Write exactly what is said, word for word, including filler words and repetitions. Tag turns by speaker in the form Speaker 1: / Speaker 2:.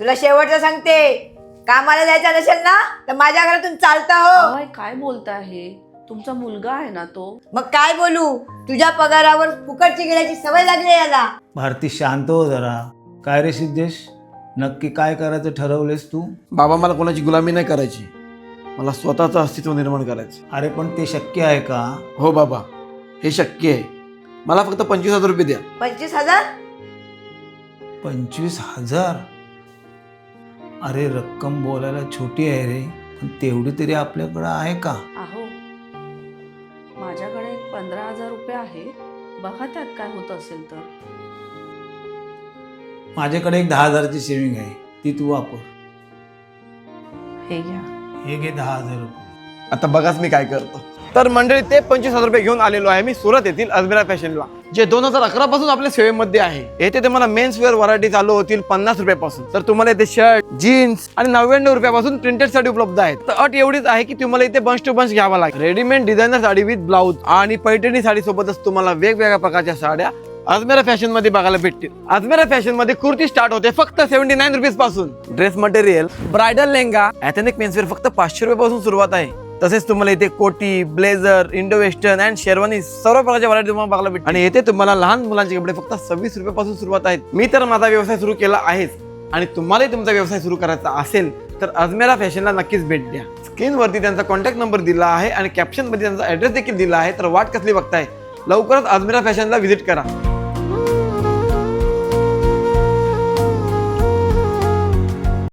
Speaker 1: तुला शेवटचं सांगते, कामाला जायचं नसेल ना तर माझ्या घरातून चालता हो.
Speaker 2: अय, काय बोलताय हे? तुमचा मुलगा आहे ना तो.
Speaker 1: मग काय बोलू, तुझ्या पगारावर फुकटची गेल्याची सवय लागली याला.
Speaker 3: भारती शांत हो जरा. काय रे सिद्धेश, नक्की काय करायचं ठरवलेस तू?
Speaker 4: बाबा मला कोणाची गुलामी नाही करायची, मला स्वतःचं अस्तित्व निर्माण करायचं.
Speaker 3: अरे पण ते शक्य आहे का?
Speaker 4: हो बाबा, हे शक्य आहे. मला फक्त पंचवीस हजार रुपये द्या.
Speaker 1: पंचवीस हजार
Speaker 3: पंचवीस हजार? अरे रक्कम बोलायला छोटी आहे रे, पण तेवढी तरी आपल्याकडं आहे का?
Speaker 2: अहो, माझ्याकडे एक पंधरा हजार रुपये आहे, बघा त्यात काय होत असेल तर.
Speaker 3: माझ्याकडे एक दहा हजाराची सेविंग आहे, ती तू वापर.
Speaker 2: हे घ्या.
Speaker 3: हे घे दहा हजार रुपये.
Speaker 4: आता बघाच मी काय करतो. तर मंडळी, ते पंचवीस हजार रुपये घेऊन आलेलो आहे मी सुरत येथील अजमेरा फॅशनला, जे दोन हजार अकरा पासून आपल्या सेवेमध्ये आहे. येथे तुम्हाला मेन्स वेअर व्हरायटी चालू होतील पन्नास रुपयापासून. तर तुम्हाला इथे शर्ट, जीन्स आणि नव्याण्णव रुपयापासून प्रिंटेड साडी उपलब्ध आहेत. तर अट एवढीच आहे की तुम्हाला इथे बंच टू बंच घ्यावा लागेल. Readymade designer sari with blouse आणि पैठणी साडी सोबतच तुम्हाला वेगवेगळ्या प्रकारच्या साड्या अजमेरा फॅशन मध्ये बघायला भेटतील. अजमेरा फॅशन मध्ये कुर्ती स्टार्ट होते फक्त सेव्हन्टी नाईन रुपीज पासून. Dress material, bridal lehenga, ethnic menswear फक्त पाचशे रुपये पासून सुरुवात आहे. तसेच तुम्हाला इथे कोटी, blazer, Indo western and sherwani सर्व प्रकारच्या व्हरायटी तुम्हाला बघायला भेटतील. आणि येथे तुम्हाला लहान मुलांचे कपडे फक्त सव्वीस रुपये पासून सुरुवात आहेत. मी तर माझा व्यवसाय सुरू केला आहेच, आणि तुम्हालाही तुमचा व्यवसाय सुरू करायचा असेल तर अजमेरा फॅशनला नक्कीच भेट द्या. स्क्रीनवरती त्यांचा कॉन्टॅक्ट नंबर दिला आहे आणि कॅप्शन मध्ये त्यांचा ऍड्रेस देखील दिला आहे. तर वाट कसली बघताय, लवकरच अजमेरा फॅशनला व्हिजिट करा.